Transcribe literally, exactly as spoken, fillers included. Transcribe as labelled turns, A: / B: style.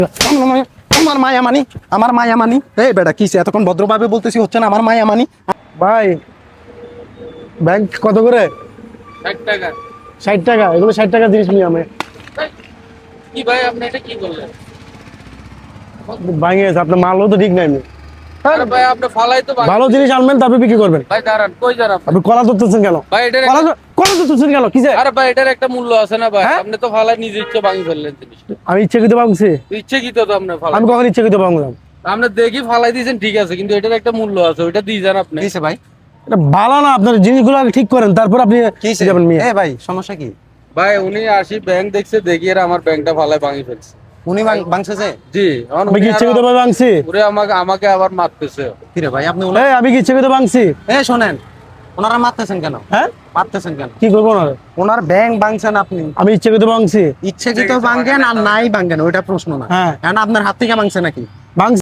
A: আমার মায়া মানি আমার মায়া মানি এই বেটা কিসে এতক্ষণ ভদ্রভাবে বলতেছি হচ্ছে না আমার মায়া মানি ভাই ব্যাংক কত করে
B: ষাট টাকা।
A: ষাট টাকা এগুলো ষাট টাকা জিনিস নিয়ে আমি
B: কি ভাই আপনি এটা কি করলেন?
A: ভাঙে গেছে আপনার মালও তো ঠিক নাই আমি
B: আরে ভাই আপনি ফালাই তো
A: ভালো জিনিস আনবেন তারপর বিক্রি করবেন
B: ভাই দাঁড়ান, কই যান আপনি?
A: আপনি কলা ধরতেছেন কেন
B: ভাই এটার
A: কলা ধর- কলা ধরতেছেন কেন কিসে
B: আরে ভাই এটার একটা মূল্য আছে না ভাই?
A: হ্যাঁ?
B: আপনি তো ফালাই নিজে ইচ্ছে ভাঙি ফেললেন জিনিসটা।
A: আমি ইচ্ছাকৃত ভাঙছি
B: ইচ্ছে কি তো আপনি ফালাই?
A: আমি কখন ইচ্ছাকৃত ভাঙলাম
B: আপনি দেখি ফালাই দিয়েছেন ঠিক আছে, কিন্তু এটার একটা মূল্য আছে, ওইটা দিয়ে যান আপনি।
C: কিসে ভাই?
A: এটা ভালো না আপনার জিনিসগুলো আগে ঠিক করেন তারপর আপনি
C: কিসে
A: যাবেন মেয়ে
C: এ ভাই সমস্যা কি?
B: ভাই উনি আসি ব্যাংক দেখছে, দেখি এরা আমার ব্যাংকটা ফালাই ভাঙি ফেলছে।
C: উনি ভাঙ- ভাঙছে যে?
B: জি, এখন
A: আমি কি
B: উনি
A: ইচ্ছাকৃত
B: আরো-
A: ভাবে ভাঙছি
B: ওরে আমাকে আমাকে আবার মারতেছে।
C: কি রে ভাই আপনি ওনা-
A: এই আমি কি ইচ্ছাকৃত ভাঙছি
C: এ শোনেন, ওনারা মারতেছেন কেন?
A: হ্যাঁ
C: মারতেছেন কেন?
A: কি করবো না
C: ওনার ব্যাংক ভাঙছেন আপনি,
A: আমি ইচ্ছাকৃত ভাঙছি
C: ইচ্ছাকৃত ভাঙেন আর নাই ভাঙেন ওইটা প্রশ্ন না।
A: হ্যাঁ।
C: এখন আপনার হাত থেকে ভাঙছে নাকি?
A: ভাঙছি